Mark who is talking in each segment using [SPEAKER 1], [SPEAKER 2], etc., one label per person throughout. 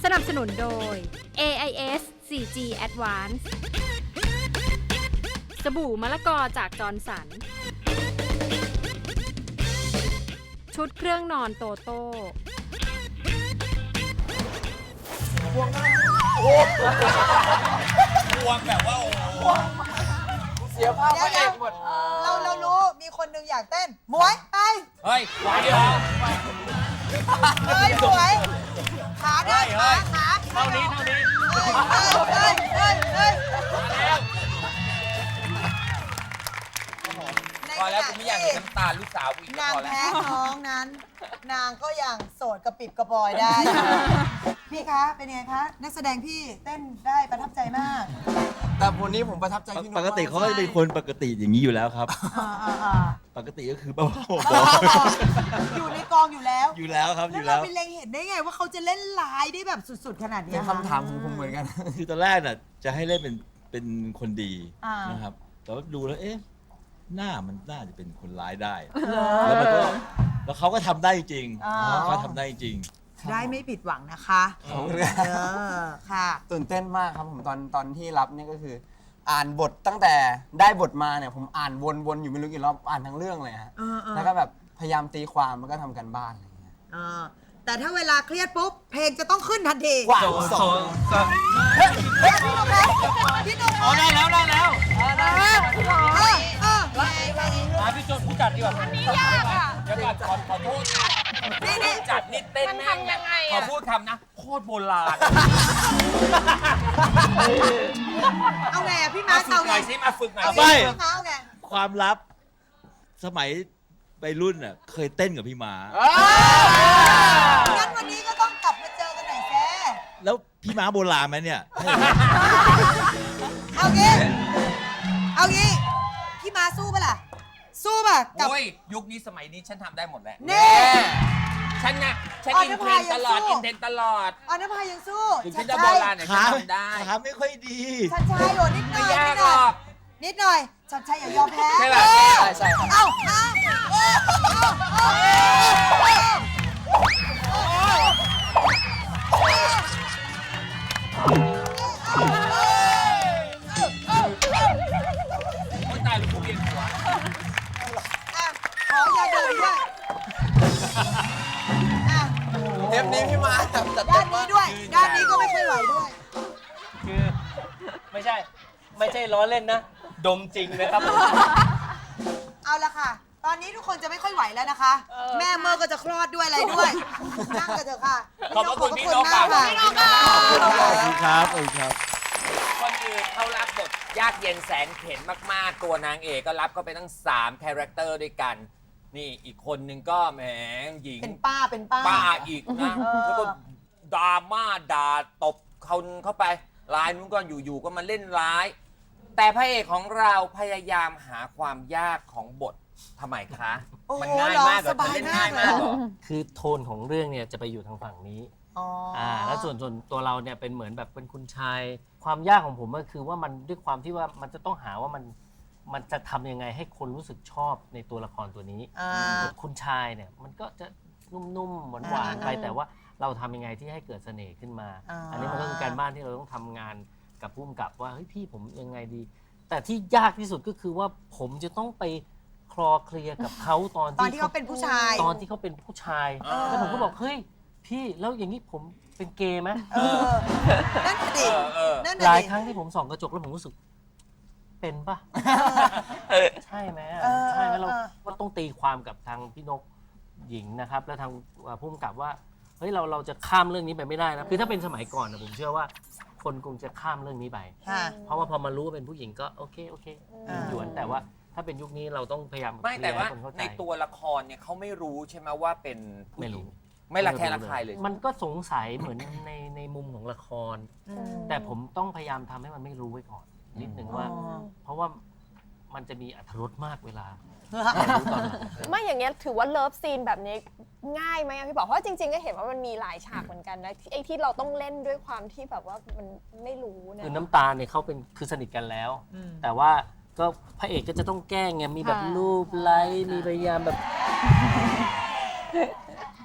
[SPEAKER 1] สนับสนุนโดย AIS 4G Advance สบู่มะละกอจากจอร์นสัน ชุดเครื่องนอนโตโต้
[SPEAKER 2] วงแบบว่าโอ้โหเสียภาพพระเอกหมด
[SPEAKER 3] เรารู้มีคนหนึ่งอยากเต้นหมวยไป
[SPEAKER 2] เฮ้ยไหวเหรอ
[SPEAKER 3] เฮ้ยหมวยขาได้ขา
[SPEAKER 2] เท่านี้
[SPEAKER 3] เฮ้ย
[SPEAKER 2] พอแล้วกูไม่อยากเห็นน้ำตาลูกสาวกูอีก
[SPEAKER 3] นาง
[SPEAKER 2] พอแล้ว
[SPEAKER 3] แพ้ท้องนั้น นางก็ยังโสดกระปิบกระปอยได้ พี่คะเป็นไงคะนักแสดงพี่เต้นได้ประทับใจมาก
[SPEAKER 4] แต่วันนี้ผมประทับใจพี่นุ๊
[SPEAKER 5] ปกติเขาก็จะเป็นคนปกติอย่างนี้อยู่แล้วครับ
[SPEAKER 3] อ่า
[SPEAKER 5] ปกติก็คือบ้า
[SPEAKER 3] อยู่ในกองอยู่แล้ว
[SPEAKER 5] อยู่แล้วครับอ
[SPEAKER 3] แล้ว
[SPEAKER 5] ยู่
[SPEAKER 3] เรา
[SPEAKER 5] แล้ว
[SPEAKER 3] ไปเล็งเห็นได้ไงว่าเขาจะเล่นร้ายได้แบบสุดๆขนาดนี้
[SPEAKER 4] เป็นคำถามของผมเหมือนกัน
[SPEAKER 5] คือตอนแรกน่ะจะให้เล่นเป็นคนดี
[SPEAKER 3] อ่าน
[SPEAKER 5] นะครับ แต่ว่าดูแล้วเอ๊ะหน้ามันน่าจะเป็นคนร้ายได้
[SPEAKER 3] เหรอ
[SPEAKER 5] แล้วมันก็แล้วเขาก็ทำได้จริง
[SPEAKER 3] อ๋อ
[SPEAKER 5] เขาทำได้จริง
[SPEAKER 3] ได้ไม่ผิดหวังนะคะ
[SPEAKER 4] ขอบคุณครับ
[SPEAKER 3] ค่ะ
[SPEAKER 4] ตื่นเต้นมากครับผมตอนที่รับเนี่ยก็คือ อ่านบทตั้งแต่ได้บทมาเนี่ยผมอ่านวนๆอยู่ไม่รู้กี่รอบอ่านทั้งเรื่องเลยฮะ
[SPEAKER 3] เออ
[SPEAKER 4] แล้วก็แบบพยายามตีความแล้วก็ทำกันบ้านอะไรอย่างเงี้ย
[SPEAKER 3] แต่ถ้าเวลาเครียดปุ๊บ เพลงจะต้องขึ้นทันที
[SPEAKER 4] กว่า
[SPEAKER 3] พี่นุ่ม
[SPEAKER 2] อ๋อได้แล้วได้แล้ว
[SPEAKER 3] เ
[SPEAKER 2] มาพี่โจนผู้จัดดีกว่าอันนี้ยากอ่ะเดี๋ยวก่อนขอโทษ
[SPEAKER 3] นี่
[SPEAKER 2] จัดนิดเต้นแม่งขอพูดคำนะ โคตรโบราณ
[SPEAKER 3] เอาไงอะพี่
[SPEAKER 2] มา
[SPEAKER 3] มาร์ค
[SPEAKER 2] ฝึก
[SPEAKER 3] เอา
[SPEAKER 2] ห
[SPEAKER 3] ไง
[SPEAKER 2] น่อยสิมาฝึกหน่อย
[SPEAKER 3] เอา
[SPEAKER 2] สิ
[SPEAKER 3] ไง
[SPEAKER 5] ไม่
[SPEAKER 3] พี่มาร์คเอาไง
[SPEAKER 5] ความลับสมัยไปรุ่นน่ะเคยเต้นกับพี่หมา
[SPEAKER 3] งั้นวันนี้ก็ต้องกลับมาเจอกันหน่อยแซ่
[SPEAKER 5] แล้วพี่ม้าโบราณไหมเนี่ย
[SPEAKER 3] เอางี้พี่มาสู้ปะล่ะ สู้ป่ะกับ
[SPEAKER 2] โอ้ยยุคนี้สมัยนี้ฉันทำได้หมดแหละ
[SPEAKER 3] นี่
[SPEAKER 2] ฉันไงฉัน
[SPEAKER 3] อ๋อ
[SPEAKER 2] อินเทรนด์ตลอด
[SPEAKER 3] นภายังสู้
[SPEAKER 2] อินเทรนด์ตลอด
[SPEAKER 3] ออนภายังสู้
[SPEAKER 2] ถึงฉันจะโบราณเนี่ยฉัน
[SPEAKER 5] ขา
[SPEAKER 2] ทำได้
[SPEAKER 5] ขาไม่ค่อยดี
[SPEAKER 3] ชัดชัยโอ้นิดหน่
[SPEAKER 2] ไม่
[SPEAKER 3] อย
[SPEAKER 2] ยาก
[SPEAKER 3] นิด
[SPEAKER 2] ห
[SPEAKER 3] ห
[SPEAKER 2] ร
[SPEAKER 3] น่อย
[SPEAKER 2] อก
[SPEAKER 3] นิดหน่อยชัดชัยอย่ายอมแพ้
[SPEAKER 2] ใช่ป่ะ
[SPEAKER 4] ใช่ครับ
[SPEAKER 3] เอา
[SPEAKER 2] คนตายลูกเรียนหัว
[SPEAKER 3] ขอยาดมด้วยอ่ะ
[SPEAKER 4] เทปนี้พี่มาแบบจัด
[SPEAKER 3] ด้า
[SPEAKER 4] เต็
[SPEAKER 3] น
[SPEAKER 4] ม
[SPEAKER 3] นี้
[SPEAKER 4] มาก
[SPEAKER 3] ด้วย ด้านนี้ก็ไม่ค่อยไหวด้วย
[SPEAKER 6] คือไม่ใช่ล้อเล่นนะ ดมจริงนะครับ
[SPEAKER 3] เอาละค่ะ ตอนนี้ทุกคนจะไม่ค่อยไหวแล้วนะคะ แม่เมื่อก็จะคลอดด้วยอะไรด้วย นั่งกันเถอะค่ะ
[SPEAKER 2] ขอบพระคุณพี่นก
[SPEAKER 3] มาก
[SPEAKER 2] ค่ะ
[SPEAKER 3] ค่ะ
[SPEAKER 5] ขอบคุณครับขอบคุณครับ
[SPEAKER 2] คนอื่นเขารับบทยากเย็นแสนเข็ญมากๆ ตัวนางเอกก็รับก็ไปตั้ง3คาแรคเตอร์ด้วยกัน นี่อีกคนนึงก็แหมหญิง
[SPEAKER 3] เป็นป้า
[SPEAKER 2] ป้าอีกนะ แล้วก็ดราม่าด่าตบคนเข้าไปลายนู้นก็อยู่ๆก็มาเล่นร้าย แต่พระเอกของเราพยายามหาความยากของบททำไมคะ
[SPEAKER 3] โอ้โห
[SPEAKER 2] มันง่ายมากเหร
[SPEAKER 3] ส
[SPEAKER 2] อ
[SPEAKER 3] บาย
[SPEAKER 2] เล่น
[SPEAKER 3] มา
[SPEAKER 2] ง่าก ย
[SPEAKER 3] เล
[SPEAKER 2] มาย กเหรอ
[SPEAKER 6] คือโทนของเรื่องเนี่ยจะไปอยู่ทางฝั่งนี้
[SPEAKER 3] อ๋อ
[SPEAKER 6] แล้วส่วนตัวเราเนี่ยเป็นเหมือนแบบเป็นคุณชาย ความยากของผมก็คือว่ามันด้วยความที่ว่ามันจะต้องหาว่ามันจะทำยังไงให้คนรู้สึกชอบในตัวละครตัวนี้
[SPEAKER 3] อ่า
[SPEAKER 6] คุณชายเนี่ยมันก็จะนุ่มๆหวานๆไปแต่ว่าเราทำยังไงที่ให้เกิดเสน่ห์ขึ้นมา อันนี้มันก็คือการบ้านที่เราต้องทำงานกับผู้กำกับว่าเฮ้ยพี่ผมยังไงดี แต่ที่ยากที่สุดก็คือว่าผมจะต้องไปคลอเคลียร์กับเขาตอน
[SPEAKER 3] ตอนที่เขาเป็นผู้ชาย
[SPEAKER 6] ตอนที่เขาเป็นผู้ชายแล้วผมก็บอกเฮ้ยพี่แล้วอย่างนี้ผมเป็นเกย์ไหม
[SPEAKER 3] นั่นน่ะดิ
[SPEAKER 2] เออ
[SPEAKER 3] นั่น
[SPEAKER 6] ห
[SPEAKER 3] น่ะ
[SPEAKER 6] ลาย
[SPEAKER 3] ดิ
[SPEAKER 6] ครั้งที่ผมส่องกระจกแล้วผมรู้สึก เป็นปะใช่ไหมอะ
[SPEAKER 3] เออ
[SPEAKER 6] ใช่ไหมเรา
[SPEAKER 3] เออ
[SPEAKER 6] ก็ต้องตีความกับทางพี่นกหญิงนะครับ แล้วทางผู้กำกับว่าเฮ้ยเราจะข้ามเรื่องนี้ไปไม่ได้นะคือถ้าเป็นสมัยก่อนนะผมเชื่อว่า คนคงจะข้ามเรื่องนี้ไป
[SPEAKER 3] ค่ะ
[SPEAKER 6] เพราะว่าพอมารู้ว่าเป็นผู้หญิงก็โอเคหยวนแต่ว่าถ้าเป็นยุคนี้เราต้องพยายาม
[SPEAKER 2] ไม่แต่ว่า
[SPEAKER 6] เคลียร์ให้คนเข้าใจ
[SPEAKER 2] ในตัวละครเนี่ยเขาไม่รู้ใช่ไหมว่าเป็นผู้
[SPEAKER 6] ไม่
[SPEAKER 2] หญิ
[SPEAKER 6] รู้
[SPEAKER 2] งไม่ละแคะระคายเลย
[SPEAKER 6] มันก็สงสัยเหมือนในมุมของละคร แต่ผมต้องพยายามทำให้มันไม่รู้ไว้ก่อน นิดหนึ่งว่า เพราะว่ามันจะมีอรรถรสมากเวลารู้ตอนหลัง
[SPEAKER 7] ไม่อย่างเงี้ยถือว่าเลิฟซีนแบบนี้ง่ายไหมอะพี่บอกเพราะว่าจริงๆก็เห็นว่ามันมีหลายฉากเหมือนกันนะไอ้ที่เราต้องเล่นด้วยความที่แบบว่ามันไม่รู้นะ
[SPEAKER 6] คือน้ำตาลเนี่ยเขาเป็นคือสนิทกันแล้ว แต่ว่าก็พระเอกก็จะต้องแกล้งไงมีแบบรูปไล้มีพยายามแบบ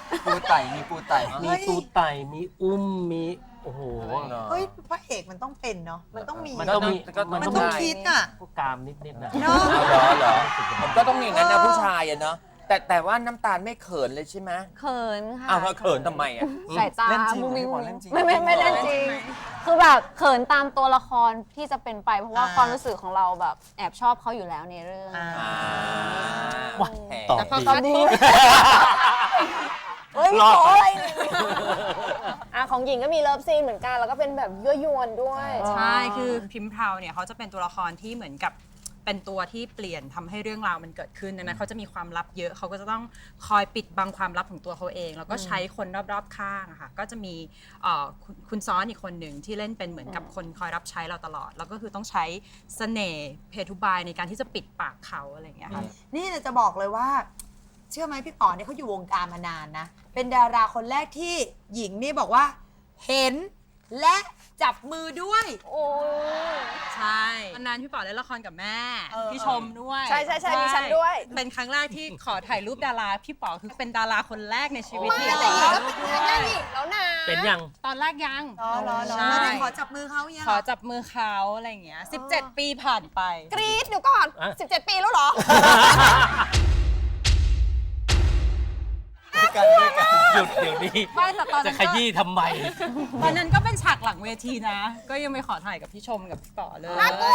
[SPEAKER 4] ปูไต่มีปูไต่
[SPEAKER 6] มีตูไต่มีอุ้มมีโอ้โห
[SPEAKER 3] เฮ้ยพระเอกมันต้องเป็นเนาะมันต้องมี
[SPEAKER 6] มันต้องมี
[SPEAKER 3] มันต้องคิดอ่ะ
[SPEAKER 6] พวกกามนิดๆนะ
[SPEAKER 3] เนาะ
[SPEAKER 2] เหรอผมก็ต้องอย่างนั้นนะผู้ชายอะเนาะแต่ว่าน้ำตาลไม่เขินเลยใช่ไหม
[SPEAKER 8] เขินค่ะ
[SPEAKER 2] อ้าวแล้วเขินทำไมอะ
[SPEAKER 8] สายตา
[SPEAKER 4] เล่นจริง
[SPEAKER 8] มุ้งมิ้ง
[SPEAKER 4] ไหมพี่ปอเล่นจริง
[SPEAKER 8] ไม่เล่นจริง คือแบบเขินตามตัวละครที่จะเป็นไปเพราะว่าความรู้สึกของเราแบบแอบชอบเขาอยู่แล้วในเรื่อง
[SPEAKER 6] ว้า
[SPEAKER 2] แหม
[SPEAKER 6] ตอบ
[SPEAKER 7] ตอบ
[SPEAKER 6] ดี
[SPEAKER 7] ดีเฮ้ยมีขออะไรเนี่ยของหญิงก็มีเลิฟซีนเหมือนกัน แล้วก็เป็นแบบยั่วยวนด้วย
[SPEAKER 9] ใช่ คือพิมพ์เพาเนี่ยเขาจะเป็นตัวละครที่เหมือนกับเป็นตัวที่เปลี่ยนทำให้เรื่องราวมันเกิดขึ้นดังนั้นเขาจะมีความลับเยอะเขาก็จะต้องคอยปิดบังความลับของตัวเขาเอง แล้วก็ใช้คนรอบๆข้างอะค่ะก็จะมีคุณซ้อนอีกคนหนึ่งที่เล่นเป็นเหมือนกับคนคอยรับใช้เราตลอด แล้วก็คือต้องใช้เสน่ห์เพทุบายในการที่จะปิดปากเขาอะไรอย่างเงี้ยค่ะ
[SPEAKER 3] นี่จะบอกเลยว่า เชื่อไหมพี่ป๋อเนี่ยเขาอยู่วงการมานานนะ เป็นดาราคนแรกที่หญิงนี่บอกว่า เห็นและจับมือด้วย
[SPEAKER 7] โอ้ย
[SPEAKER 9] ใช่อันนั้นพี่ป๋อเล่นละครกับแม่ พี่ชมด้วย
[SPEAKER 7] ใช่มีฉันด้วย
[SPEAKER 9] เป็นครั้งแรกที่ขอถ่ายรูปดารา พี่ป๋อคือเป็นดาราคนแรกในชีวิต
[SPEAKER 7] ไม่
[SPEAKER 9] ที่
[SPEAKER 7] อะไร
[SPEAKER 9] ขอ
[SPEAKER 7] แล้วเป็นครั้งแรกอีกแล้วนะ
[SPEAKER 6] เป็นยัง
[SPEAKER 9] ตอนแรกยัง
[SPEAKER 3] รอ
[SPEAKER 9] ใช่
[SPEAKER 3] ไม่ได้ขอจับมือเขายัง
[SPEAKER 9] ขอจับมือเขาอะไรอย่างเงี้ย 17 ปีผ่านไป
[SPEAKER 7] กรี๊ดเดี๋ยวก่อน
[SPEAKER 6] อ่ะ
[SPEAKER 7] 17 ปีแล้วเหรอ
[SPEAKER 6] หยุดเดี๋ยวนี้
[SPEAKER 9] ไม่แต่ตอน
[SPEAKER 6] จะ
[SPEAKER 9] นั้น
[SPEAKER 6] ขยี้ทำไม
[SPEAKER 9] ตอนนั้นก็เป็นฉากหลังเวทีนะ ก็ยังไม่ขอถ่ายกับพี่ชมกับพี่ป๋อเลย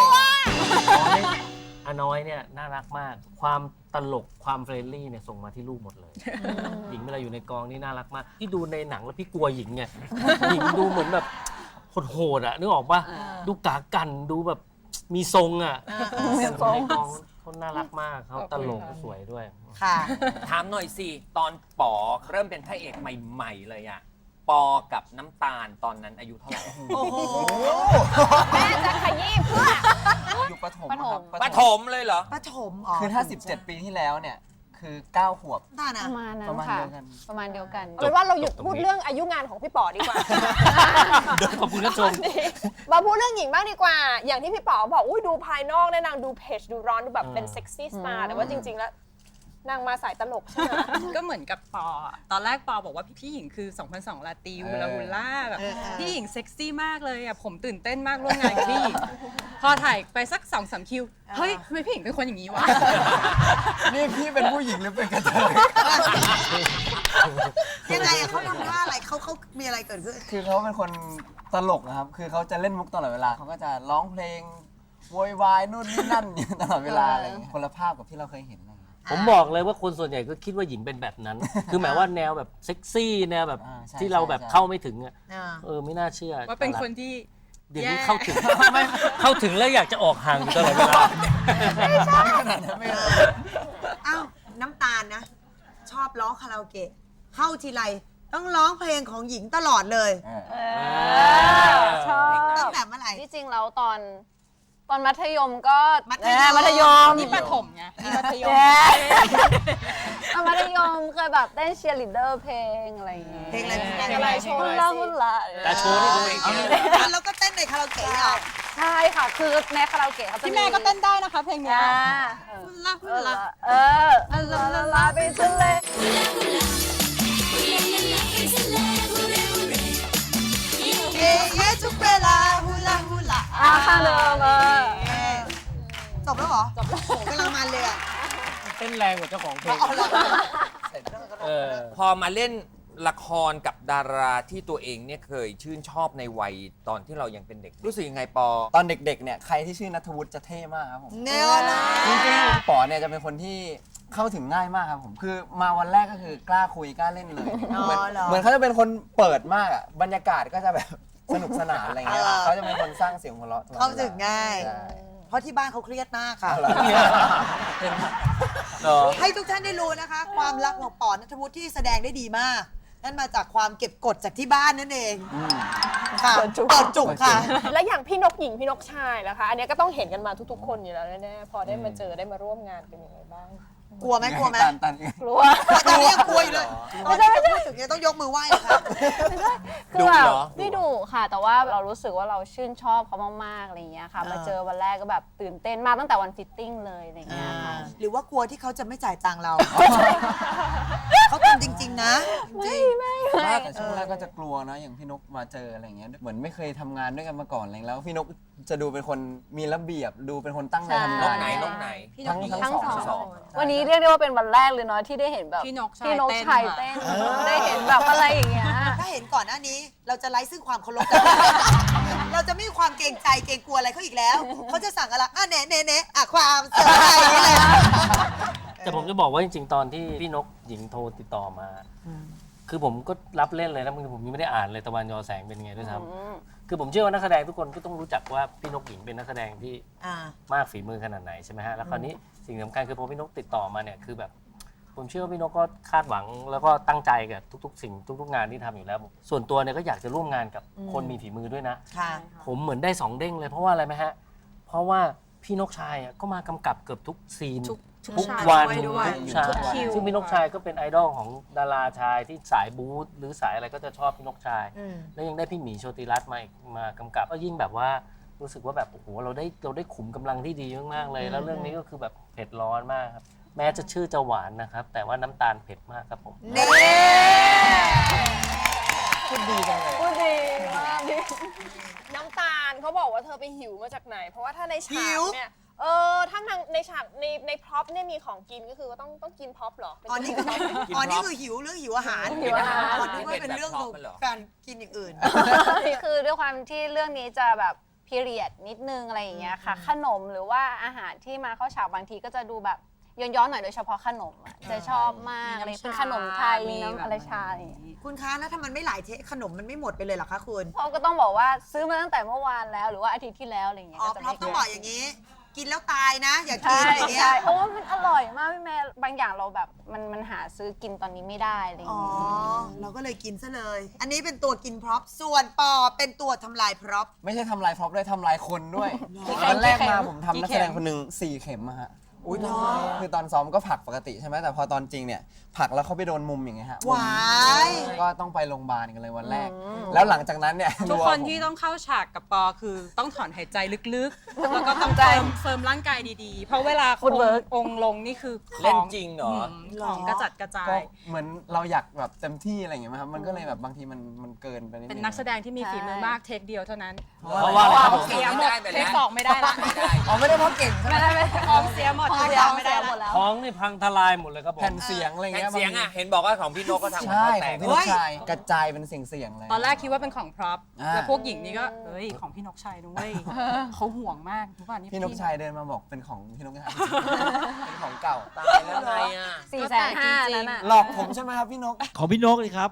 [SPEAKER 6] อาน้อยเนี่ยน่ารักมาก ความตลกความเฟรนลี่เนี่ยส่งมาที่ลูกหมดเลย หญิงเวลาอยู่ในกองนี่น่ารักมาก ที่ดูในหนังแล้วพี่กลัวหญิงไง หญิงดูเหมือนแบบโหดๆอ่ะนึกออกปะดูกากันดูแบบมีทรงอ่ะแต่ในกองเขาน่ารักมากเขาตลกสวยด้วย
[SPEAKER 3] ค่ะ
[SPEAKER 2] ถามหน่อยสิ ตอนปอเริ่มเป็นพระเอกใหม่ๆเลยอะปอกับน้ำตาลตอนนั้นอายุเท่าไหร่
[SPEAKER 3] โอ้โห
[SPEAKER 7] แม่จะขยี้เพื่อ
[SPEAKER 4] อยู่ประถมครับ
[SPEAKER 2] ปฐมเลยเหรอ
[SPEAKER 3] ปฐมอ๋อ
[SPEAKER 4] คือถ้า 17 ปีที่แล้วเนี่ย คือ 9 ขวบ
[SPEAKER 3] น่านะ
[SPEAKER 8] ประมาณนั้น
[SPEAKER 4] ประมาณ
[SPEAKER 8] ค่ะ
[SPEAKER 4] เดียวกัน
[SPEAKER 8] ประมาณเดียวกัน
[SPEAKER 7] เอาเป็นว่าเราหยุดพูดเรื่องอายุงานของพี่ป๋อดีกว่า
[SPEAKER 6] ขอบคุณครับชม
[SPEAKER 7] มาพูดเรื่องหญิงบ้างดีกว่า อย่างที่พี่ป๋อบอกอุ้ยดูภายนอกเนี่ยนางดูเพจดูร้อนดูแบบเป็นเซ็กซี่สตาร์แต่ว่าจริง ๆ แล้ว นางมาสายตลกใช่ไหม
[SPEAKER 9] ก็เหมือนกับปออะตอนแรกปอบอกว่าพี่หญิงคือ 2002 ลาตีฮูลาฮูล่าแบบพี่หญิงเซ็กซี่มากเลยอ่ะผมตื่นเต้นมากร่วมงานกับพี่หญิง พอถ่ายไปสัก 2-3 คิว เฮ้ยทำไมพี่หญิงเป็นคนอย่างนี้วะ
[SPEAKER 4] นี่พี่เป็นผู้หญิงหรือเป็นกระเทย
[SPEAKER 3] ยังไงอะเขาทำท่าอะไรเขามีอะไรเกิดขึ้น
[SPEAKER 4] คือเขาเป็นคนตลกนะครับ คือเขาจะเล่นมุกตลอดเวลา เขาก็จะร้องเพลงโวยวายนู่นนี่นั่นอยู่ตลอดเวลาอะไรอย่างเงี้ยคนละภาพกับที่เราเคยเห็นอะไรอย่างเงี้ย
[SPEAKER 6] ผมบอกเลยว่าคนส่วนใหญ่ก็คิดว่าหญิงเป็นแบบนั้น คือหมายว่าแนวแบบเซ็กซี่แนวแบบ
[SPEAKER 4] ใช่
[SPEAKER 6] ที่เราแบบ
[SPEAKER 4] ใช่
[SPEAKER 6] เข้าไม่ถึงอ่ะ
[SPEAKER 3] อ่า
[SPEAKER 6] ไม่น่าเชื่อ
[SPEAKER 9] ว่าเป็นคนที่
[SPEAKER 6] เดี๋ยวนี้
[SPEAKER 9] แย่
[SPEAKER 6] เข้าถึง เข้าถึงแล้วอยากจะออกห่างอยู่ตลอดเวลา
[SPEAKER 3] อ้าวน้ำตาลนะ ชอบร้องคาราโอเกะเข้าทีไรต้องร้องเพลงของหญิงตลอดเลย
[SPEAKER 8] ชอบ
[SPEAKER 3] ตั้งแต่เมื่อไหร่
[SPEAKER 8] ที่จริงแล้วตอนมัธยมก็
[SPEAKER 3] มัธยม
[SPEAKER 8] มัธยม
[SPEAKER 9] นี่ประถมไงนี่มัธยม
[SPEAKER 8] ตอนมัธยมเคยแบบเต้นเชียร์ลีดเดอร์เพลงอะไรอย่างเงี้ย
[SPEAKER 3] เพลงอะไร
[SPEAKER 7] เพลงอะไรโชว์
[SPEAKER 8] ฮุ
[SPEAKER 7] ห
[SPEAKER 8] น
[SPEAKER 7] น่
[SPEAKER 8] ลา
[SPEAKER 7] อย
[SPEAKER 8] ฮุ
[SPEAKER 7] สิ
[SPEAKER 8] นลา
[SPEAKER 6] แต่โชว์นี่ตัวเอง
[SPEAKER 3] แล้วก็เต้นในคาราโอเกะเหรอ
[SPEAKER 8] ใช่ค่ะ คือในคาราโอเกะเขาจะ
[SPEAKER 9] พี่แม่ก็เต้นได้นะคะเพลงเนี้ย
[SPEAKER 3] ลาลา
[SPEAKER 8] ลาไปทะเล
[SPEAKER 3] เย่ทุกเวลาฮูลาฮูลา
[SPEAKER 8] ข้างเดิม
[SPEAKER 3] จบแล้วเหรอ จบแล้วกำลังมันเลยอ่ะ
[SPEAKER 6] เต้นแรงกว่าเจ้าของเพลง
[SPEAKER 3] เอาละ
[SPEAKER 2] พอมาเล่นละครกับดาราที่ตัวเองเนี่ยเคยชื่นชอบในวัยตอนที่เรายังเป็นเด็ก รู้สึกยังไงปอ
[SPEAKER 4] ตอนเด็กๆเนี่ยใครที่ชื่อณัฐวุฒิจะเท่มากครับผม
[SPEAKER 3] แนวนะ
[SPEAKER 4] จริงๆป๋อเนี่ยจะเป็นคนที่เข้าถึงง่ายมากครับผม คือมาวันแรกก็คือกล้าคุยกล้าเล่นเลย เหมือนเขาจะเป็นคนเปิดมากอ่ะ บรรยากาศก็จะแบบสนุกสนานอะไรเงี้ยเขาจะเป็นคนสร้างเสียงหัวเราะตลอดวล
[SPEAKER 3] เข้าถึงง่าย
[SPEAKER 4] ใช่
[SPEAKER 3] เพราะที่บ้านเขาเครียดมากค่ะ
[SPEAKER 4] เอาเหรอ
[SPEAKER 3] ให้ทุกท่านได้รู้นะคะ ความรักของป๋อนัทวุฒิที่แสดงได้ดีมาก นั่นมาจากความเก็บกดจากที่บ้านนั่นเองค่ะเปิดจุกค่ะ
[SPEAKER 7] แล้วอย่างพี่นกหญิงพี่นกชายนะคะ อันเนี้ยก็ต้องเห็นกันมาทุกๆ คนอยู่แล้วแน่ๆพอได้มาเจอได้มาร่วมงานเป็นยังไงบ้าง
[SPEAKER 3] กลัวไหมกลัวไหม
[SPEAKER 4] ตัน
[SPEAKER 8] กลัว
[SPEAKER 3] ตอนนี้ยังกลัวอยู่เลยตอนนี้พูดถึงเนี่ยต้องยกมือไหว้เลยค่ะ
[SPEAKER 8] คือแบบ
[SPEAKER 2] ดุเหรอ
[SPEAKER 8] ไม่ดุค่ะ แต่ว่าเรารู้สึกว่าเราชื่นชอบเขามากๆอะไรอย่างเงี้ยค่ะ มาเจอวันแรกก็แบบตื่นเต้นมากตั้งแต่วันฟิตติ้งเลยอะไรอย่างเงี้ยค่ะ
[SPEAKER 3] หรือว่ากลัวที่เขาจะไม่จ่ายตังค์เรา เขาทำจริง ๆ นะ จริง
[SPEAKER 4] แต่ช่วงแรกก็จะกลัวนะอย่างพี่นกมาเจออะไรอย่างเงี้ยเหมือนไม่เคยทำงานด้วยกันมาก่อนอะไรแล้วพี่นกจะดูเป็นคนมีระเบียบดูเป็นคนตั้งใจทำ
[SPEAKER 2] น
[SPEAKER 4] งาก น
[SPEAKER 2] ไหนนกไหน
[SPEAKER 4] ทั้ง
[SPEAKER 8] ทั้ง
[SPEAKER 4] สอง
[SPEAKER 8] วันนี้เรียกได้ว่าเป็นวันแรกเลยเนาะที่ได้เห็นแบบ
[SPEAKER 9] พี่นก
[SPEAKER 8] พี่นก
[SPEAKER 9] ชา
[SPEAKER 8] ชาย ย
[SPEAKER 9] เต้
[SPEAKER 8] เต้
[SPEAKER 9] น
[SPEAKER 8] นได้เห็นแบบอะไรอย่างเงี้ย
[SPEAKER 3] ถ้าเห็นก่อนหน้านี้เราจะไร้ซึ่งความเคารพกัน เราจะไม่มีความเกรงใจเกรงกลัวอะไรเขาอีกแล้ว เขาจะสั่งอะไรเนะความเสียใจอย่างนี้เลย
[SPEAKER 6] แต่ผมจะบอกว่าจริงๆ ตอนที่พี่นกหญิงโทรติดต่อมา คือผมก็รับเล่นเลยนะบางทีผมยังไม่ได้อ่านเลยตะวันยอแสงเป็นยังไงด้วยซ้ำคือผมเชื่อว่านักแสดงทุกคนก็ต้องรู้จักว่าพี่นกหญิงเป็นนักแสดงที่ มากฝีมือขนาดไหนใช่ไหมฮะ แล้วคราวนี้สิ่งสำคัญคือพอพี่นกติดต่อมาเนี่ยคือแบบผมเชื่อว่าพี่นกก็คาดหวังแล้วก็ตั้งใจกับทุกๆสิ่งทุกๆงานที่ทำอยู่แล้ว ส่วนตัวเนี่ยก็อยากจะร่วมงานกับคนมีฝีมือด้วยนะ
[SPEAKER 3] ค่ะ
[SPEAKER 6] ผมเหมือนได้2เด้งเลยเพราะว่าอะไรไหมฮะ เพราะว่าพี่นกชายอ่ะก็มากำกับเกือบทุกซีน ทุกวัน
[SPEAKER 9] ด้วย
[SPEAKER 6] ทุกฉาก
[SPEAKER 9] ทุกคิว
[SPEAKER 6] ซึ่งพี่นกชายก็เป็นไอดอลของดาราชายที่สายบู๊หรือสายอะไรก็จะชอบพี่นกชาย แล้วยังได้พี่หมีโชติรัตน์มากำกับก็ยิ่งแบบว่ารู้สึกว่าแบบโอ้โหเราได้ขุมกำลังที่ดีมากๆเลย แล้วเรื่องนี้ก็คือแบบเผ็ดร้อนมากครับแม้จะชื่อจะหวานนะครับ แต่ว่าน้ำตาลเผ็ดมากครับผม
[SPEAKER 3] เน่
[SPEAKER 4] คุณดีจังเลย
[SPEAKER 7] พูดดีมากดิน้ำตาลเขาบอกว่าเธอไปหิวมาจากไหน เพราะว่าถ้าในฉากเนี่ยถ้าในฉากในพร็อพเนี่ยมีของกินก็คือว่าต้องกินพร็อพเหรอ
[SPEAKER 3] อ๋อนี่คืออ๋อนี่คือหิวเรื่องหิวอาหาร
[SPEAKER 8] หิวอาหาร
[SPEAKER 3] อ๋อนึกว่าเป็นเรื่องของการกินอย่างอื่น
[SPEAKER 8] คือด้วยความที่เรื่องนี้จะแบบพีเรียดนิดนึงอะไรอย่างเงี้ยค่ะ ขนมหรือว่าอาหารที่มาเข้าฉากบางทีก็จะดูแบบย้อนๆหน่อยโดยเฉพาะขนมอะจะชอบมากอะไรเป็นขนมไทยมีน้ำอะไรชาอะไรอย่างเงี้ย
[SPEAKER 3] คุณคะแล้วถ้ามันไม่หลายเทขนมมันไม่หมดไปเลยเหรอคะคุณ
[SPEAKER 8] เพราะก็ต้องบอกว่าซื้อมาตั้งแต่เมื่อวานแล้วหรือว่าอาทิตย์ที่แล้วอะไรอย่างเงี้ย
[SPEAKER 3] อ๋อ
[SPEAKER 8] ก็จะ
[SPEAKER 3] เพราะ
[SPEAKER 8] ไม่
[SPEAKER 3] ต้องบอกอย่างนี้ กินแล้วตายนะ อย่ากิ
[SPEAKER 8] ใช่
[SPEAKER 3] นอย่างเงี้ย
[SPEAKER 8] ใช่โอ้มันอร่อยมากพี่แม่บางอย่างเราแบบมันหาซื้อกินตอนนี้ไม่ได้อะไรอย่าง
[SPEAKER 3] อ๋อ
[SPEAKER 8] เงี้ย
[SPEAKER 3] เราก็เลยกินซะเลย อันนี้เป็นตัวกินพร็อพส่วนปอเป็นตัวทำลายพร็อพ
[SPEAKER 4] ไม่ใช่ทำลายพร็อพด้วยทำลายคนด้วยวันแรกมาผมทำนักแสดงคนหนึ่ง4 เข็มอะฮะอุ้ยคือตอนซ้อมก็ผลักปกติใช่ไหมแต่พอตอนจริงเนี่ยผลักแล้วเขาไปโดนมุมอย่างเงี้ยฮะ
[SPEAKER 3] หวาย
[SPEAKER 4] ก็ต้องไปโรงพยาบาลกันเลยวันแรก แล้วหลังจากนั้นเนี่ย
[SPEAKER 9] ทุกคนที่ต้องเข้าฉากกับปอคือต้องถอนหายใจลึกๆ แล้วก็ต้องเฟิร์มร่างกายดีๆ เพราะเวลาองค์ลงนี่คือของ
[SPEAKER 2] เล่นจริงเหรอ
[SPEAKER 9] ของกระจัดกระจา
[SPEAKER 4] ก็
[SPEAKER 9] ย
[SPEAKER 4] เหมือนเราอยากแบบเต็มที่อะไรอย่างเงี้ยครับมันก็เลยแบบบางทีมันเกินไปนิดนึง
[SPEAKER 9] เป็นนักแสดงที่มีฝีมือมากเทคเดียวเท่านั้น
[SPEAKER 6] เพราะว่าอะไรครับผม
[SPEAKER 9] เสียหมดเทค2ไม่ได้ละ
[SPEAKER 4] อ๋อไม่ได้เพราะเก่งใช่ไหม
[SPEAKER 9] ของเสียหมด
[SPEAKER 8] ของ
[SPEAKER 9] เทค
[SPEAKER 8] เสีย
[SPEAKER 9] 2ไม่ได้
[SPEAKER 8] หม
[SPEAKER 9] ละ
[SPEAKER 8] ดแล้ว
[SPEAKER 6] ท้องนี่พังทลายหมดเลยครับผม
[SPEAKER 4] แผ่นเสียงอะไร
[SPEAKER 2] แผ่น
[SPEAKER 4] เงี้ย
[SPEAKER 2] เสียงอ่ะ เห็นบอกว่าของพี่นกก็ทำของ
[SPEAKER 4] ใช่
[SPEAKER 2] เขาแต
[SPEAKER 4] ขอก งพี่นกชายกระจายเป็นเสียงเลย
[SPEAKER 9] ตอนแรกคิดว่าเป็นของพร็อพ
[SPEAKER 4] อ่า
[SPEAKER 9] แล้วพวกหญิงนี่ก็เฮ้ยของพี่นกชัยด้วยเขาห่วงมากทุกวันนี้
[SPEAKER 4] พี่นกชายเดินมาบอกเป็นของพี่นกชายเป็นของเก่า
[SPEAKER 2] ตายแล้วไงอ่ะ
[SPEAKER 8] 450,000นั่นน่ะ
[SPEAKER 4] หลอกผมใช่ไหมครับพี่นก
[SPEAKER 5] ของพี่นกเลยครับ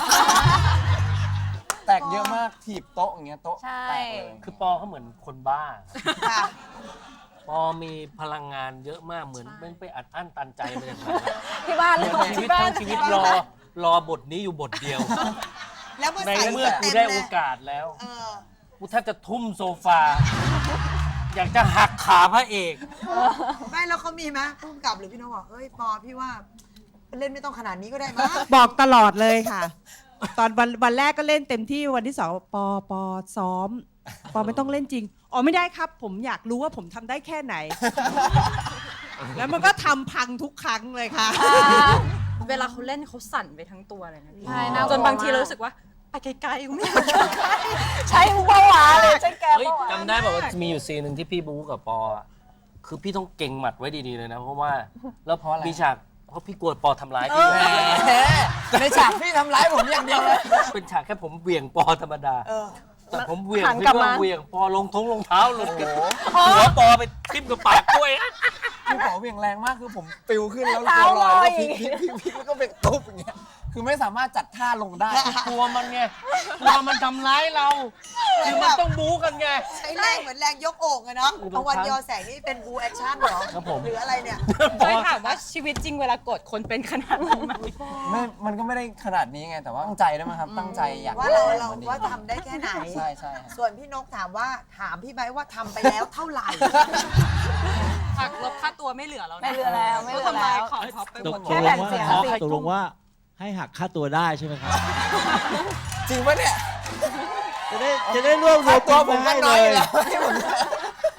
[SPEAKER 4] แตกเยอะมากถีบโต๊ะอย่างเงี้ยโต๊ะ
[SPEAKER 8] ใช่
[SPEAKER 4] แตกเลย
[SPEAKER 6] คือปอเขาเหมือนคนบ้า
[SPEAKER 3] ค่ะ
[SPEAKER 6] ปอมีพลังงานเยอะมากเหมือนไม่ไปอัดอั้นตันใจมาจากไหน
[SPEAKER 8] ที่บ้านเลย
[SPEAKER 6] ชีวิตทั้งชีวิตรอบทนี้อยู่บทเดียว
[SPEAKER 3] แล้วเมื่อ
[SPEAKER 6] ใน
[SPEAKER 3] ใส่
[SPEAKER 6] เมื่อกู
[SPEAKER 3] เต็ม
[SPEAKER 6] ได้
[SPEAKER 3] เล
[SPEAKER 6] โอย กาสแล้ว
[SPEAKER 3] เออ
[SPEAKER 6] กูแทบจะทุ่มโซฟา อยากจะหักขาพระเอก
[SPEAKER 3] ไม่แล้วเขามีไหมผู้กำกับหรือพี่นกบอกเฮ้ยปอพี่ว่าเล่นไม่ต้องขนาดนี้ก็ได้มั้ง
[SPEAKER 10] บอกตลอดเลยค่ะ ตอนวันแรกก็เล่นเต็มที่วันที่ 2ปอซ้อมปอไม่ต้องเล่นจริงอ๋อไม่ได้ครับ ผมอยากรู้ว่าผมทำได้แค่ไหน แล้วมันก็ทำพังทุกครั้งเลยค่ะ
[SPEAKER 9] เวลาเขาเล่นเขาสั่นไปทั้งตัวเลยนะพี่
[SPEAKER 8] ใช่น่ากลัว
[SPEAKER 9] จนบางทีเรารู้สึกว่าไปไกลๆกูไม่อยากอยู่ใกล้
[SPEAKER 8] ใช้เบาหวานเลยใช้แก
[SPEAKER 6] เฮ้ย
[SPEAKER 8] เบาหวาน
[SPEAKER 6] จำได้แบบว่ามีอยู่ซีนหนึ่งที่พี่บู๊กับปออะคือพี่ต้องเก่งหมัดไว้ดีๆเลยนะ เพราะว่าแล้ว
[SPEAKER 4] เพราะอะไร
[SPEAKER 6] มีฉากเพราะพี่กลัวปอทำร้ายพี่
[SPEAKER 4] แหมในฉากพี่ทำร้ายผมอย่างเดียวเลย
[SPEAKER 6] เป็นฉากแค่ผมเหวี่ยงปอธรรมดา
[SPEAKER 3] เออ
[SPEAKER 6] แต่ผมเหวี่ยง
[SPEAKER 8] หัน
[SPEAKER 6] พี่
[SPEAKER 8] กลับ
[SPEAKER 6] ก็
[SPEAKER 8] มา
[SPEAKER 6] เหวี่ยงปอลงรองเท้าหลุดกันหัวปอไปทิ่มกับปากกล้วย
[SPEAKER 4] พี่ขอเหวี่ยงแรงมากคือผมปิวขึ้นแล้วตัวลอยแล้วพลิกแล้วก็ไปตุ๊บอย่างเงี้ยคือไม่สามารถจัดท่าลงได้
[SPEAKER 6] กลัวมันไงกลัวมันทำร้ายเราคือมันต้องบู๊กันไง
[SPEAKER 3] ใช้แรงเหมือนแรงยกโอ่งอะเนาะเอาวันยอแสงนี่เป็นบูแอคชั่นเหรอ
[SPEAKER 6] ครับผม
[SPEAKER 3] หรืออะไรเนี่ย
[SPEAKER 9] เคยถามว่าชีวิตจริงเวลากดคนเป็นขนาดนี้ไหม
[SPEAKER 4] มันก็ไม่ได้ขนาดนี้ไงแต่ว่าตั้งใจด้วยมั้งครับตั้งใจอยาก
[SPEAKER 3] ว่าเราว่าทำได้แค่ไหน
[SPEAKER 4] ใช่ใช่ฮะ
[SPEAKER 3] ส่วนพี่นกถามพี่ไบร์ทว่าทำไปแล้วเท่าไหร่
[SPEAKER 9] หักลบค่าตัวไม่เหลือแล้วนะ
[SPEAKER 8] ไม่เหลือแล้วไม่เหลือ
[SPEAKER 9] ทำลาย
[SPEAKER 8] แล้ว
[SPEAKER 9] ของท็อปไปหมด
[SPEAKER 8] แค่แผ่นเสียง
[SPEAKER 5] ตกลงว่าให้หักค่าตัวได้ใช่ไหมครับ
[SPEAKER 4] จริงปะเนี่ย
[SPEAKER 5] จะได้รวบรวม
[SPEAKER 4] ตัวผม
[SPEAKER 5] มา
[SPEAKER 4] ก็
[SPEAKER 5] ให้
[SPEAKER 4] น้
[SPEAKER 5] เล
[SPEAKER 4] อย
[SPEAKER 5] ย
[SPEAKER 4] แล้วให้ผม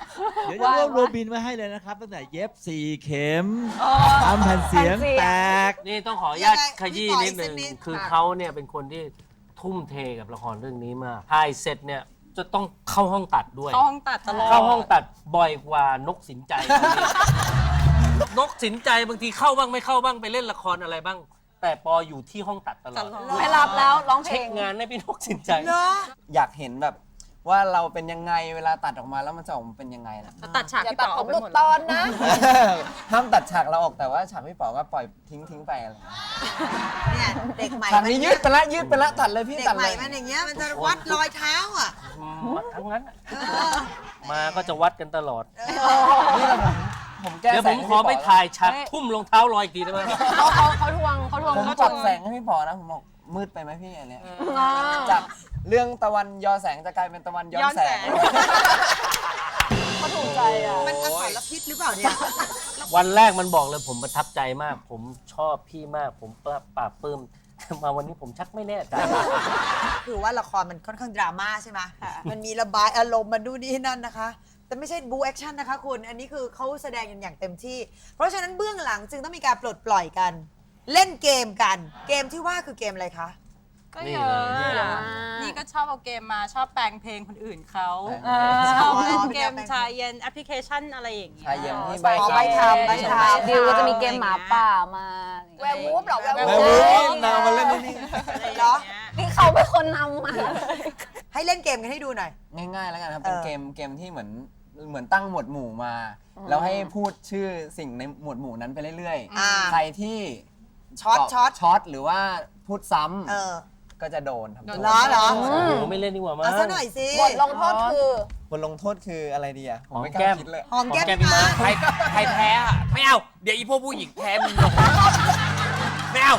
[SPEAKER 5] เดี๋ยวจะรวบรวมบินไว้ให้เลยนะครับ ตั้งแต่เย็บ 4 เข็มทำแผ่นเสียงแตก
[SPEAKER 6] นี่ต้องขออนุญาตขยี้นิดนึง
[SPEAKER 3] ยังไงพี่ปอยสักนิด
[SPEAKER 6] คือเขาเนี่ยเป็นคนที่ทุ่มเทกับละครเรื่องนี้มากถ่ายเสร็จเนี่ยจะต้องเข้าห้องตัดด้วย
[SPEAKER 9] เข้าห้องตัดตลอด
[SPEAKER 6] เข้าห้องตัดบ่อยกว่านกสินใจ นกสินใจบางทีเข้าบ้างไม่เข้าบ้างไปเล่นละครอะไรบ้าง แต่ปออยู่ที่ห้องตัดตลอด
[SPEAKER 8] ไม่รับแล้วร้องเพล
[SPEAKER 6] เช็ค
[SPEAKER 8] ง
[SPEAKER 6] งานให้พี่นกสินใจ
[SPEAKER 3] เนาะ
[SPEAKER 4] อยากเห็นแบบว่าเราเป็นยังไงเวลาตัดออกมาแล้วมันจะออกมาเป็นยังไงนะ
[SPEAKER 9] ตัดฉาก
[SPEAKER 7] อย่า
[SPEAKER 9] พี่
[SPEAKER 7] ตัด
[SPEAKER 9] ป๋อ
[SPEAKER 7] ผ
[SPEAKER 9] ออ
[SPEAKER 7] ม
[SPEAKER 9] กไป
[SPEAKER 7] หลุด
[SPEAKER 9] หมด
[SPEAKER 7] ตอนนะ
[SPEAKER 4] ห้ามตัดฉากเราออกแต่ว่าฉากพี่ป๋อก็ปล่อยทิ้งไปอะไร
[SPEAKER 3] เนี่ยเด็กใหม่
[SPEAKER 4] ฉากนี้ยืดไปละตัดเลยพี่
[SPEAKER 3] เด็ก
[SPEAKER 4] ตัด
[SPEAKER 3] ให
[SPEAKER 4] เล
[SPEAKER 3] ม่
[SPEAKER 4] ย
[SPEAKER 3] มันอย่างเงี้ยมันจะวัดรอยเท้าอ่ะ
[SPEAKER 6] วัดทั้งนั้นอะมาก็จะวัดกันตลอด
[SPEAKER 4] นี่แหละผมแก้
[SPEAKER 6] เดี๋ยว
[SPEAKER 4] แส
[SPEAKER 6] ผ
[SPEAKER 4] ง
[SPEAKER 6] ม
[SPEAKER 4] ให้
[SPEAKER 6] ขอ
[SPEAKER 4] พี่
[SPEAKER 6] ไป
[SPEAKER 4] ป๋
[SPEAKER 6] ถ่ายฉากทุ่มรองเท้าลอยอีกทีได้ไหม
[SPEAKER 8] เขาทวง
[SPEAKER 4] ผมปรับแสงให้พี่ป๋อนะผมบอกมืดไปไหมพี่อันเนี้ยจากเรื่องตะวันยอแสงจะกลายเป็นตะวันย้อนแสง
[SPEAKER 8] เขาถูกใจอ่ะ
[SPEAKER 3] มันอสรพิษหรือเปล่าเนี่ย
[SPEAKER 6] วันแรกมันบอกเลยผมประทับใจมาก ผมชอบพี่มาก ผมปราบปลื้ม มาวันนี้ผมชักไม่แน่ใจ
[SPEAKER 3] คือว่าละครมันค่อนข้างดราม่าใช่ไหมมันมีระบายอารมณ์มันดูนนี่นั่นนะคะ แต่ไม่ใช่บูแอคชั่นนะคะคุณ อันนี้คือเขาแสดงกันอย่างเต็มที่ เพราะฉะนั้นเบื้องหลังจึงต้องมีการปลดปล่อยกัน เล่นเกมกัน เกมที่ว่าคือเกมอะไรคะ
[SPEAKER 9] ก็
[SPEAKER 6] นี่
[SPEAKER 9] เย
[SPEAKER 6] เลย
[SPEAKER 9] อะนี่ก็ชอบเอาเกมมาชอบแปลงเพลงคนอื่นเขา
[SPEAKER 4] อ๋อ
[SPEAKER 9] ชอบเล่นเกมชายเย็นแอปพลิเคชันอะไรอย่างเงี้ย
[SPEAKER 4] ชายเย็นที่
[SPEAKER 3] อ๋อใบทำใบทำ
[SPEAKER 8] ดิวก็จะมีเกมหมาป่ามาอะไรอย่าง
[SPEAKER 7] แว
[SPEAKER 8] เงี้ย
[SPEAKER 7] ร์วูฟเหรอแวร์
[SPEAKER 4] แม่
[SPEAKER 7] วู
[SPEAKER 4] วู
[SPEAKER 7] ฟ
[SPEAKER 4] ฟนาวมาเล่นนี่
[SPEAKER 9] อะไรอย่าง
[SPEAKER 3] เหรอ
[SPEAKER 9] เงี้ย
[SPEAKER 8] นี่เขาเป็นคนนำมา
[SPEAKER 3] ให้เล่นเกมกันให้ดูหน่อย
[SPEAKER 4] ง่ายๆแล้วกันครับเป็น
[SPEAKER 3] เออ
[SPEAKER 4] เกมที่เหมือนตั้งหมวดหมู่มา แล้วให้พูดชื่อสิ่งในหมวดหมู่นั้นไปเรื่อย
[SPEAKER 3] อ่า
[SPEAKER 4] ๆ ใครที่
[SPEAKER 3] ช็อต
[SPEAKER 4] ตบ ช็อตหรือว่าพูดซ้ำ
[SPEAKER 3] เออ
[SPEAKER 4] ก็จะโดนทำโทษ
[SPEAKER 3] เหรอเหรอ
[SPEAKER 6] โอ้โหไม่เล่นดีกว่ามั้ง
[SPEAKER 3] เอาซะหน่อยสิ
[SPEAKER 7] บทลงโทษคือบ
[SPEAKER 4] ทลงโทษคืออะไรดีอะผมไม่ก
[SPEAKER 6] หอมแก้
[SPEAKER 4] ล้าม คิดเลย
[SPEAKER 3] หอมแก้ม
[SPEAKER 6] พี่มา
[SPEAKER 2] ใครแพ้อะไม่เอา เดี๋ยวอีพวกผู้หญิงแพ้มึงลงไม่เอา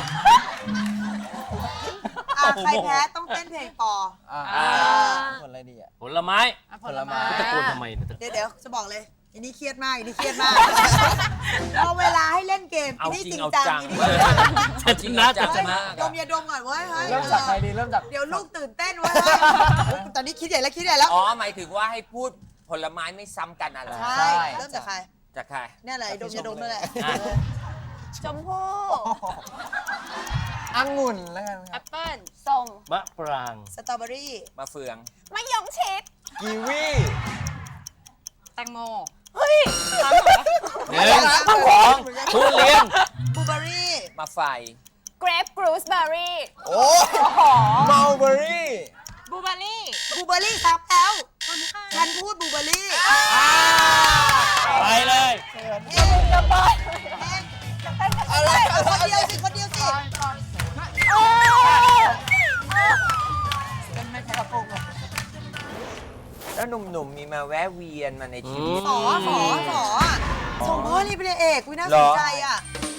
[SPEAKER 3] ใครแพ้ต้องเต้นเพลงปอ
[SPEAKER 4] อ่า
[SPEAKER 2] อ่า
[SPEAKER 4] ผลอะไรดีอะ
[SPEAKER 6] ผลไม้
[SPEAKER 4] ผลไม้
[SPEAKER 6] ตะโกนทำไมเนี่ย
[SPEAKER 3] เดี๋ยวจะบอกเลยอันนี้เครียดมากอันนี้เครียดมาก พอเวลาให้เล่นเกม
[SPEAKER 2] เอา
[SPEAKER 3] อันนี้
[SPEAKER 2] จริ
[SPEAKER 3] จ
[SPEAKER 2] ง
[SPEAKER 3] ริง
[SPEAKER 2] เอา
[SPEAKER 3] จัง
[SPEAKER 2] จัง
[SPEAKER 6] จะชนะจะชนะ
[SPEAKER 3] ดมยาดมก่อนเว้ยเฮ้ย
[SPEAKER 4] เริ่มจากใครดีเริ่มจาก
[SPEAKER 3] เดี๋ยวลูกตื่นเต้นเว้ยตอนนี้คิดใหญ่แล้วคิดใหญ่แล้ว
[SPEAKER 2] อ๋อ หมายถึงว่าให้พูดผลไม้ไม่ซ้ำกันอะไร
[SPEAKER 3] ใช่เริ่มจากใคร
[SPEAKER 2] จากใคร
[SPEAKER 3] เนี่ยแหละไอ้ดมยาดมนั่นแหละ
[SPEAKER 6] อ่ะ
[SPEAKER 7] ชมพู่
[SPEAKER 4] องุ่นแล้วกันค
[SPEAKER 9] แอ
[SPEAKER 4] รับ
[SPEAKER 9] ปเปิ้ล
[SPEAKER 8] ส้ม
[SPEAKER 6] มะปราง
[SPEAKER 3] สตรอเบอรี่
[SPEAKER 2] มาเฟือง
[SPEAKER 7] มะยงชิด
[SPEAKER 4] กีวี
[SPEAKER 9] แตงโม
[SPEAKER 6] หนึ่งสองทุเรียน
[SPEAKER 3] บลูเบอรี่
[SPEAKER 2] มาไฟ
[SPEAKER 7] เกรปกรูสเบอร์รี่
[SPEAKER 4] โอ้มัลเบอรี่
[SPEAKER 9] บลูเบอร์รี่
[SPEAKER 3] บลูเบอรี่ครับแล้วฉันพูดบลูเบอรี่
[SPEAKER 6] ไปเลย
[SPEAKER 3] อะไรคนเดียวสิคนเดียวสิ
[SPEAKER 2] แล้วหนุ่มๆมีมาแวะเวียนมาในชีวิต
[SPEAKER 3] ขอส่งพ่อรีบเป็นเอกวิน่าสนใจอ่ะ